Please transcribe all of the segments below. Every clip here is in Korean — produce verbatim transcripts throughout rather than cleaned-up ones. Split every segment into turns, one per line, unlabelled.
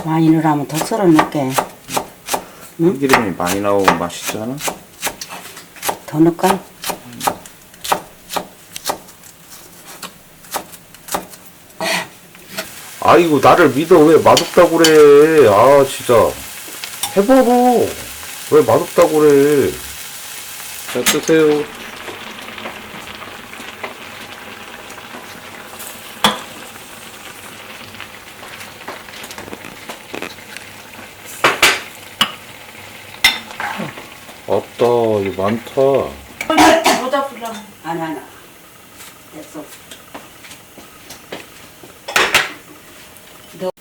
많이 넣으면 더 썰어 넣을게. 응?
기름이 많이 나오고 맛있잖아.
더 넣을까?
아이고 나를 믿어. 왜 맛없다고 그래. 아 진짜 해봐봐. 왜 맛없다고 그래. 자 드세요. 없다. 이거 많다.
모자 불러.
아니 아니 됐어. 너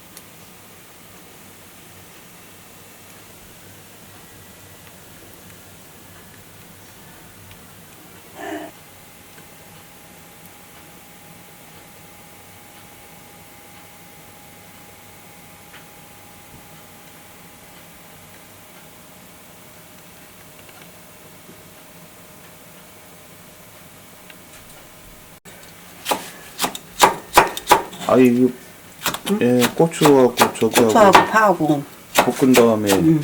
아이 이거 예 고추하고 저기하고
고추하고 파하고.
볶은 다음에
응.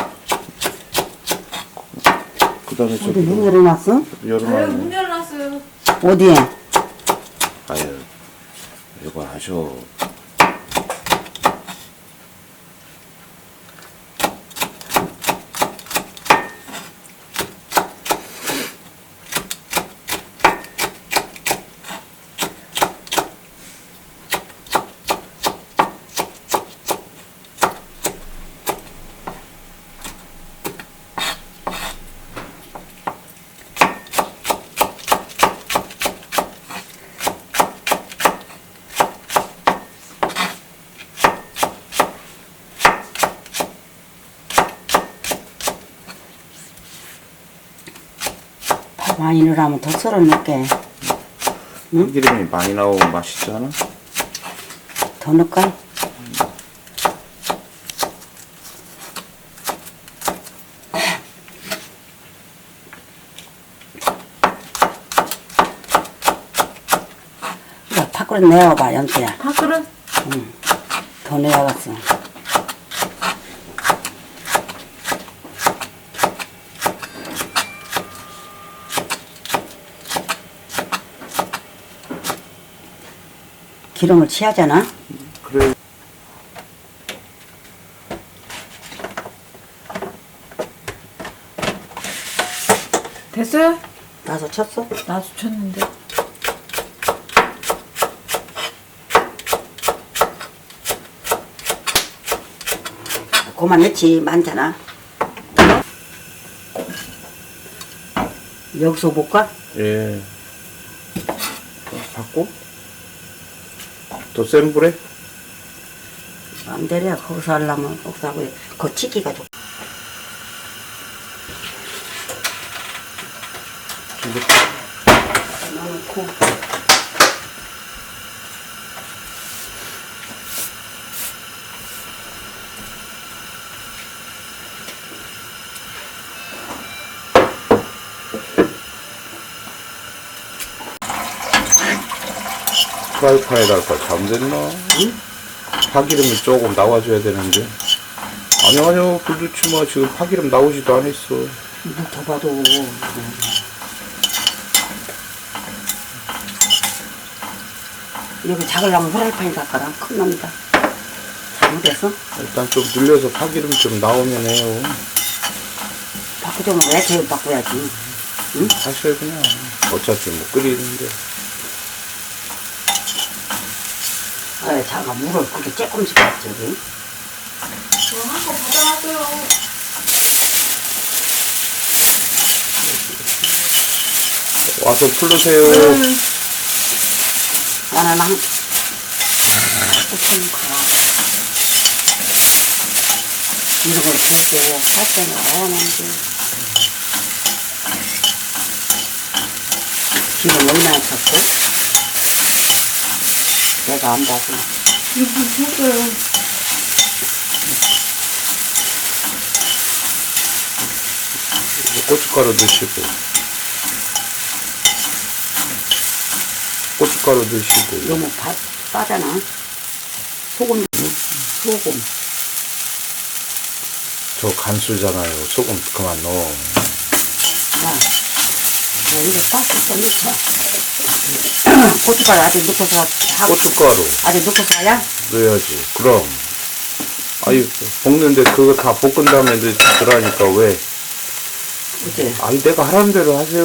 그 다음에
어디
저기
문 열어놨어?
아유, 문
열어놔요.
열어놨어요.
어디에?
아유 이거 하셔.
많이 넣으면 더 썰어 넣을게. 응?
기름이 많이 나오고 맛있잖아.
더 넣을까? 야, 밥그릇 내어봐, 연태야.
밥그릇?
응. 더 내어봤어. 기름을 취하잖아.
그래.
됐어요?
나서 쳤어?
나도 쳤는데.
그만 넣지, 많잖아. 여기서 볼까?
예. 받고 더 센 불에
맘대로야. 거기서 하려면 거기서 하고, 그 치기가 좋고. 넣고.
프라이팬에다가 잠됐나?
응?
파기름이 조금 나와줘야 되는데. 아니 아니요 불넣지 마. 지금 파기름 나오지도 않았어.
뭐 더 봐도. 여기 작으려면 후라이팬에 닦아라. 큰 놈이다. 잘못했어?
일단 좀 눌려서 파기름 좀 나오면 해요.
바꾸자면 왜 제일 바꿔야지. 응?
사실 그냥 어차피 뭐 끓이는데.
아, 자가 물을 그렇게 조금씩 받지, 여기.
저 한 거 받아놨어요.
와서 풀르세요.
음.
나는 한, 조금 가. 이런 걸 들고 할 때는 와야 하는데. 기름 얼마나 쳤고? 내가 안 봐서.
이거 쳤어요.
고춧가루 넣으시고 고춧가루 넣으시고
너무 바, 빠잖아. 소금, 소금.
저 간수잖아요. 소금 그만 넣어.
자, 자, 이거 가스 좀 넣자. 고춧가루 아직 넣고서 하고.
고춧가루
아직 넣고서 하야?
넣어야지. 그럼. 아니, 볶는데 그거 다 볶은 다음에 넣으라니까 왜?
그치?
아니, 내가 하라는 대로 하세요.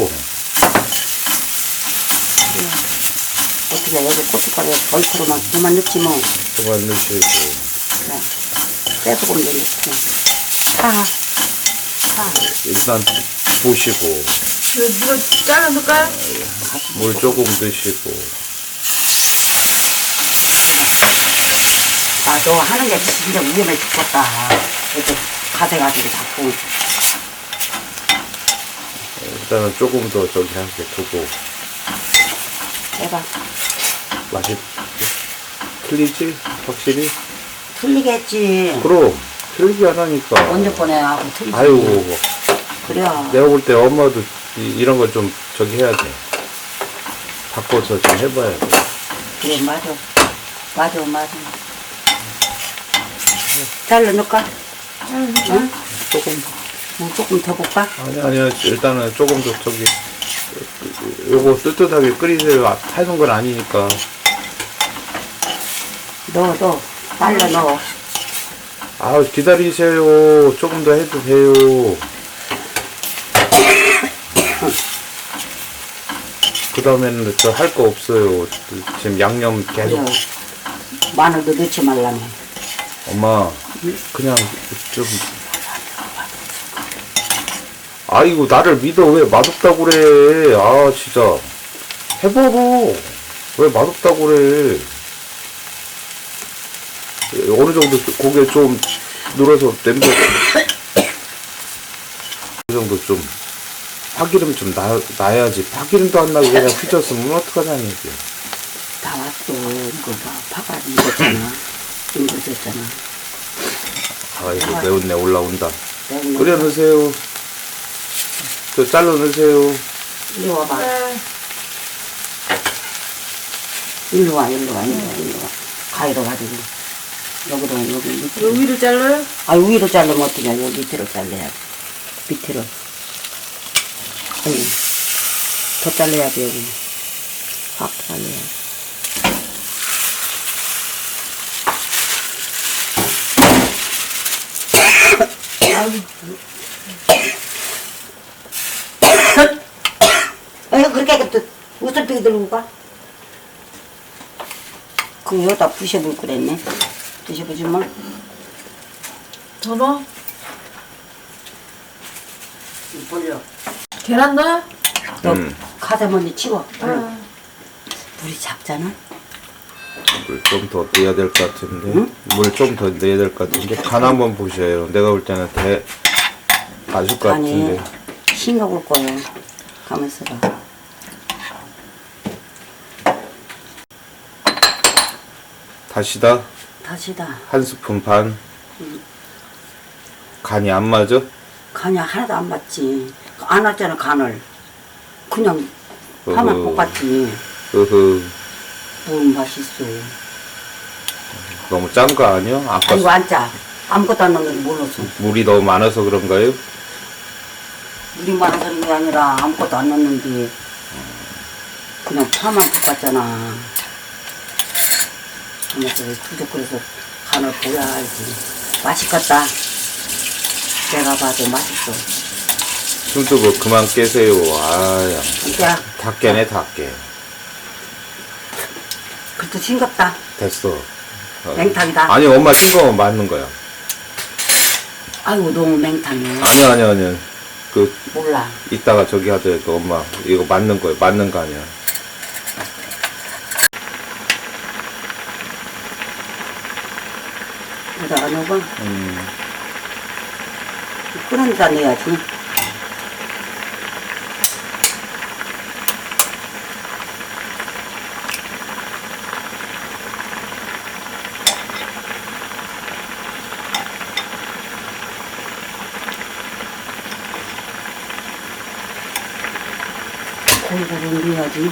어떻게 여기 고춧가루 벌크로만 그만 넣지 뭐.
그만 넣으시고.
자, 쇠소금도 넣고. 파, 파.
일단 보시고.
이거 누가 잘라 놓을까요?
물 조금 드시고.
아, 너 하는 게 진짜 위험해 죽겠다. 이렇게 가세가지고 자꾸.
일단은 조금 더 저기 하게 두고.
해봐.
맛이 틀리지? 확실히?
틀리겠지.
그럼 틀리지 않으니까.
언제 보내 하고 틀리지.
아이고,
그래.
내가 볼 때 엄마도 이, 이런 걸 좀 저기 해야 돼. 바꿔서 좀 해봐야 돼.
그래, 맞아. 맞아, 맞아. 잘라 넣을까? 응?
조금.
물 조금 더 볼까?
아니, 아니요. 일단은 조금 더 저기, 요거 뜨뜻하게 끓이세요. 아, 타는 건 아니니까.
넣어, 넣어. 잘라 넣어.
아, 기다리세요. 조금 더 해도 돼요. 그 다음에는 저 할 거 없어요. 지금 양념 계속.
그래. 마늘도 넣지 말라며.
엄마, 그냥 좀. 아이고, 나를 믿어. 왜 맛없다고 그래. 아, 진짜. 해봐봐. 왜 맛없다고 그래. 어느 정도 고개 좀 눌어서 냄새. 어느 정도 좀. 파기름 좀 나, 나야지. 파기름도 안 나고 그냥 휘졌으면 어떡하자는 얘기야.
다 왔어. 이거 봐. 파가 익었잖아. 익어졌잖아.
아이고, 매운내 올라온다.
매운
끓여 넣으세요. 저 잘라 넣으세요.
이리 와봐.
네.
일로 와, 일로 와, 일로 와, 일로 와. 가위로 가지고. 여기로, 여기 밑으로.
요 위를 잘라요?
아, 위로 자르면 어떠냐. 여기 밑으로 잘라야 돼. 밑으로. 아니, 더 잘라야 돼, 여기. 확 잘라야 돼. 왜 그렇게 또 웃을 삐 들고 가? 그럼 여기다 부셔볼 그랬네. 부셔보지 뭐.
더 넣어?
벌려.
계란 넣어요?
너
음.
가세 먼저 치워.
아.
물이 작잖아.
물 좀 더 넣어야 될 것 같은데.
응?
물 좀 더 넣어야 될 것 같은데. 간 한번 보셔요. 내가 볼 때는 대, 맞을 것
아니,
같은데.
싱거울 거예요. 가만 있어봐.
다시다.
다시다.
한 스푼 반. 간이 안 맞아?
간이 하나도 안 맞지. 안 왔잖아, 간을. 그냥 파만
어허.
볶았지.
으흐.
뭘 맛있어.
너무 짠 거 아니야? 아까
이거 안 짜. 아무것도 안 넣는 게 몰랐어.
물이 너무 많아서 그런가요?
물이 많아서 그런 게 아니라 아무것도 안 넣는데 그냥 파만 볶았잖아. 그래서 부족해서 간을 보야지. 맛있겠다. 내가 봐도 맛있어.
숨도 뭐 그만 깨세요. 아야.
진짜
다 깨네, 다 깨.
그래도 싱겁다.
됐어. 어.
맹탕이다.
아니, 엄마 싱거우면 맞는 거야.
아이고 너무 맹탕해.
아니야, 아니야, 아니야. 그,
몰라.
이따가 저기 하더라도 그 엄마, 이거 맞는 거야. 맞는 거 아니야.
여기다가 넣어.
음.
끓은 데다 넣어야지. 고기를 넣어야지.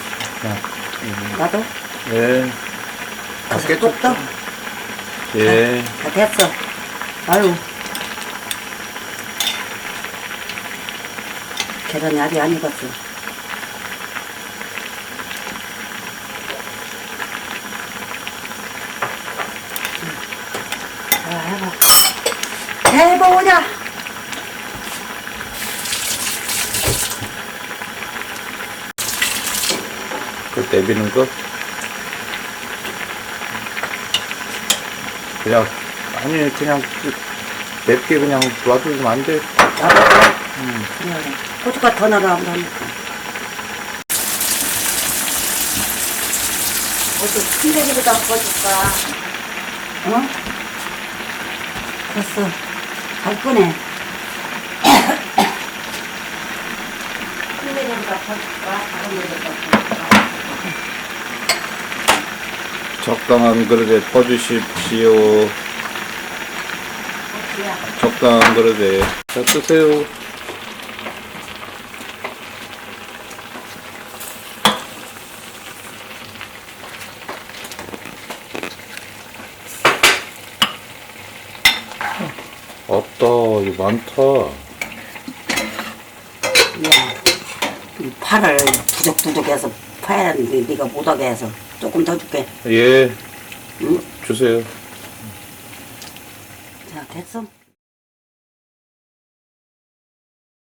나도?
예.
가서 뚝 떠.
예.
다 됐어. 아유, 계란이 아직 안 익었어. 자, 해봐. 해보자.
그 내비는 거? 그냥, 아니, 그냥, 그 맵게 그냥 놔두면 안 돼.
나도 응. 그래. 고춧가루 더 넣어라. 그러니까. 어디 큰 데기보다 구워줄까? 어? 됐어. 잘 꺼내. 큰 데기보다 구워줄까? 작은 데기보다 구워줄까?
적당한 그릇에 퍼주십시오.
어디야?
적당한 그릇에. 자, 뜨세요. 아따, 이거 많다.
야, 이 팔을 부적부적해서 파야 하는데 네가 못하게 해서 조금 더 줄게.
예,
응?
주세요.
자, 됐어.